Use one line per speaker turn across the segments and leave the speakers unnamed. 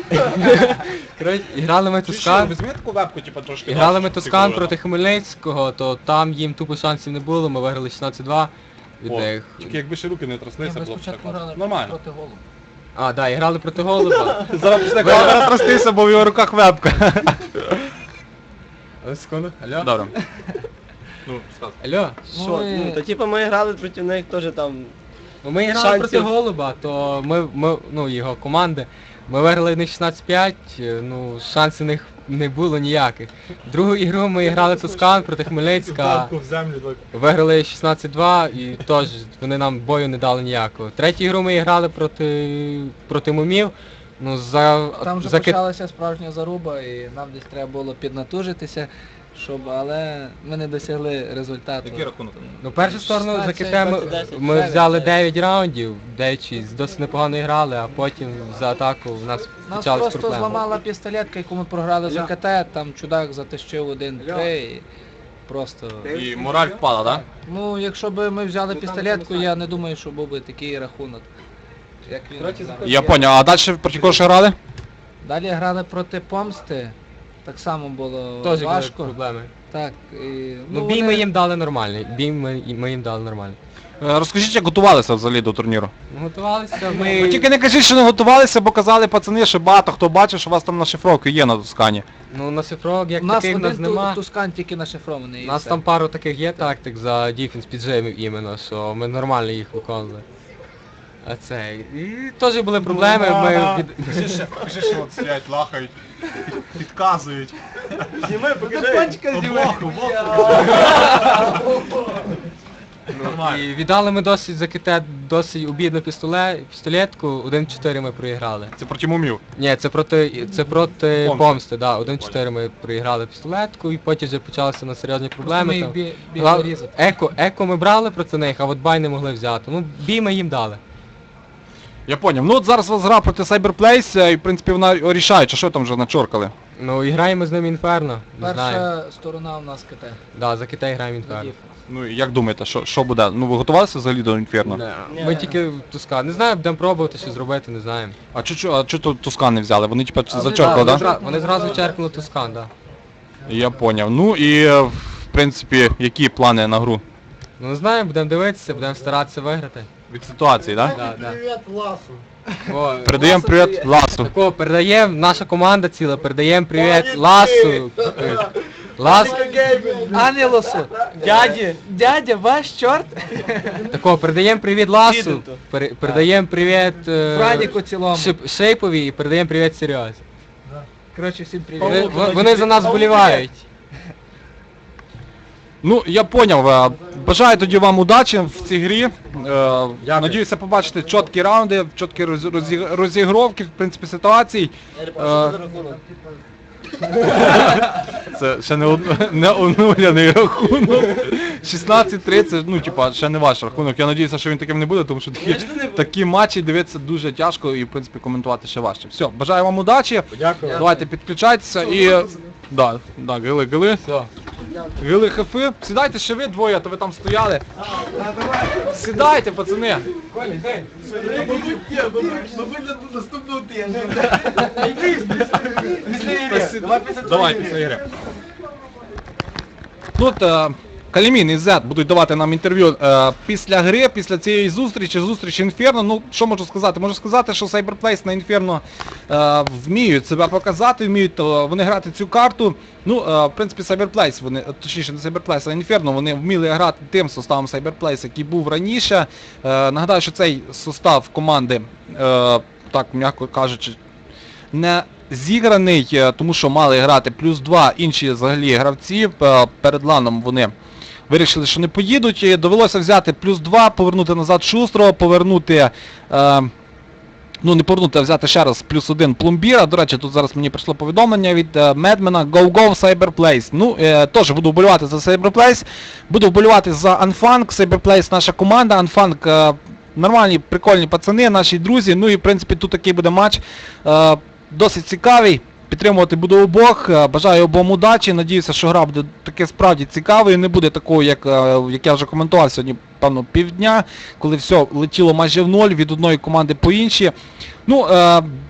Коротше, грали ми Тускан.
Візьми таку вебку, типу, трошки.
Грали ми Тускан проти Хмельницького, то там їм тупо шансів не було, ми виграли 16-2 від них.
Тільки якби ще руки не тряслися,
Ми
було б
спочатку
так.
грали
Нормально.
проти голу.
А, да, і грали проти Голуба.
Зараз після камера трястися, бо в його руках вебка.
Секунду. Алло?
Добре. Ну, сказав.
Алло?
Що?
Ми-
Ну, то типу ми грали проти них теж там.
Ну, ми грали
Шансів.
проти Голуба, то ну, його команди. Ми виграли в них 16-5, ну, шансів в них не було ніяких. Другу ігру ми грали Тускан проти Хмельницька,
в землю так.
виграли 16-2 і теж вони нам бою не дали ніякого. Третю ігру ми грали проти Мумів. Ну,
Там вже почалася справжня заруба і нам десь треба було піднатужитися, але ми не досягли результату.
Який рахунок?
Ну, першу сторону за
16,
КТ ми
10,
взяли
9.
9 раундів, 9-6, досить непогано грали, а потім за атаку в нас
Нас
почались
просто
проблеми.
зламала пістолетка, яку ми програли за КТ, там чудак затащив 1-3 і просто...
І мораль впала, так?
Ну, якщо б ми взяли пістолетку, я не думаю, що був би такий рахунок, як він взяв.
Я поняв, а далі проти кого ще грали?
Далі грали проти Помсти, так само було
Теж були
важко.
проблеми.
Так, і,
Ну, бій ми їм дали нормальний, ми їм дали нормальний.
Розкажіть, як готувалися взагалі до турніру?
Готувалися
Ви
ми...
тільки не кажіть, що не готувалися, бо казали пацани, що багато хто бачив, що у вас там на шифровки є на Тускані.
Ну, на шифровок як
У нас
таких в нас
один
нема.
Тускан тільки нашифрований.
У
і
нас
все.
там пару таких є тактик за дефенс піджимів іменно, що ми нормально їх виконували. А це... І теж були проблеми, ми...
Покажи, що от сидять, лахають, підказують.
Зніми, покажи.
І віддали ми досить за КТ досить обідну пістолетку, 1-4 ми проіграли.
Це проти мумів.
Ні, це проти
Помсти.
Помсти, да, 1-4 ми проіграли пістолетку і потім вже почалися на серйозні
Просто
проблеми.
ми їх
Там.
бігли різати.
Еко ми брали проти них, а от бай не могли взяти. Ну, бій ми їм дали.
Я поняв. Ну от зараз у вас гра проти Cyberplace, і в принципі вона рішаюча, що там вже начоркали?
Ну, і граємо з ним Інферно, не знаю.
Перша сторона у нас КТ.
Да, за Китай граємо
за
Інферно.
дефенс.
Ну і як думаєте, що буде? Ну ви готувалися взагалі до Інферно?
Не, Ми тільки Тускан. Не знаю, будемо пробувати щось зробити, не знаємо.
А чого Тускан не взяли? Вони типа
А
зачоркали,
вони
так?
Вони зразу черкнули Тускан, так. Да.
Я поняв. Ну і в принципі, які плани на гру?
Ну не знаю, будемо дивитися, будемо старатися виграти.
Від ситуації, так?
Да, да.
Привіт, Ласу.
О,
Передаємо привіт Ласу.
Такого передаємо, наша команда ціла, передаємо привіт Ласу. Лас,
Анілосу! Дядя, ваш чорт!
такого передаємо привіт Ласу,
Діденту.
передаємо привіт
Франіку цілому.
Шейпові і передаємо привіт Серйоз.
Коротше, всім привіт.
Вони за нас вболівають.
Ну, я поняв. Бажаю тоді вам удачі в цій грі. Надіюся побачити чіткі раунди, чіткі розігровки, в принципі, ситуацій. Це ще не онуляний рахунок. 16-30, ну, типа, ще не ваш рахунок. Я надіюся, що він таким не буде, тому що такі матчі дивитися дуже тяжко і, в принципі, коментувати ще важче. Все, бажаю вам удачі.
Дякую.
Давайте підключайтеся і... Да, гили.
Все.
Гили хефи. Сідайте ще ви двоє, а то ви там стояли. Сідайте, пацани. Давай після ігри. Тут Калімін і Зет будуть давати нам інтерв'ю після гри, після цієї зустрічі Інферно. Ну, що можу сказати? Можу сказати, що Cyberplace на Інферно вміють себе показати, вміють вони грати цю карту. Ну, в принципі, Cyberplace, вони, точніше не Cyberplace, а Інферно, вони вміли грати тим составом Cyberplace, який був раніше. Нагадаю, що цей состав команди, так, м'яко кажучи, не зіграний, тому що мали грати +2 інші взагалі гравці. Перед ланом вони вирішили, що не поїдуть. І довелося взяти +2, повернути назад Шустрого, повернути, ну не повернути, а взяти ще раз +1 Пломбіра. До речі, тут зараз мені прийшло повідомлення від Медмена Go Cyberplace. Ну, теж буду вболівати за Cyberplace, буду вболівати за Unfunk. Cyberplace наша команда, Unfunk нормальні, прикольні пацани, наші друзі. Ну і в принципі тут такий буде матч. Досить цікавий, підтримувати буду обох, бажаю обом удачі, надіюся, що гра буде таке справді цікавою, не буде такою, як я вже коментував сьогодні, певно, півдня, коли все летіло майже в ноль від одної команди по іншій. Ну,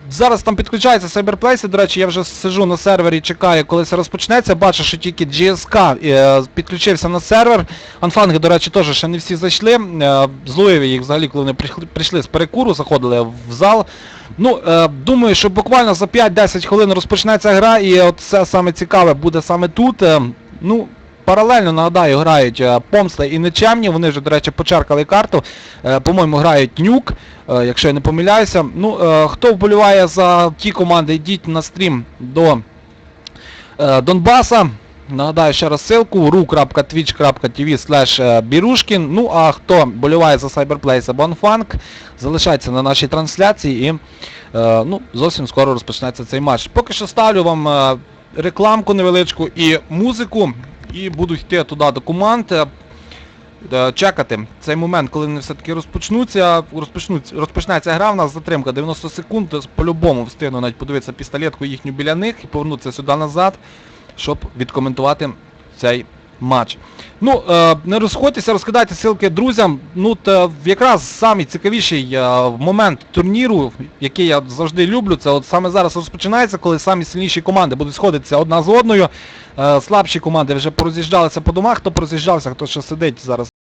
Зараз там підключаються Cyberplace, до речі, я вже сижу на сервері, чекаю, коли це розпочнеться. Бачу, що тільки GSK підключився на сервер. Анфанги, до речі, теж ще не всі зайшли. Зловив їх взагалі, коли вони прийшли з перекуру, заходили в зал. Ну, думаю, що буквально за 5-10 хвилин розпочнеться гра, і от все саме цікаве буде саме тут. Ну, паралельно, нагадаю, грають Помста і Нечемні, вони вже, до речі, почеркали карту. По-моєму, грають Нюк, якщо я не помиляюся. Ну, хто вболіває за ті команди, йдіть на стрім до Донбаса. Нагадаю ще раз ссылку ru.twitch.tv/Birushkin. Ну, а хто боліває за Cyberplace або Unfunk, залишайтеся на нашій трансляції і ну, зовсім скоро розпочнеться цей матч. Поки що ставлю вам рекламку невеличку і музику, і буду йти туди до команд, чекати цей момент, коли вони все-таки розпочнеться гра, в нас затримка 90 секунд, по-любому встигну навіть подивитися пістолетку їхню біля них і повернутися сюди назад, щоб відкоментувати цей матч. Ну, не розходьтеся, розкидайте ссылки друзям. Ну, якраз самий цікавіший момент турніру, який я завжди люблю, це от саме зараз розпочинається, коли самі сильніші команди будуть сходитися одна з одною. Слабші команди вже пороз'їжджалися по домах, хто пороз'їжджався, хто ще сидить зараз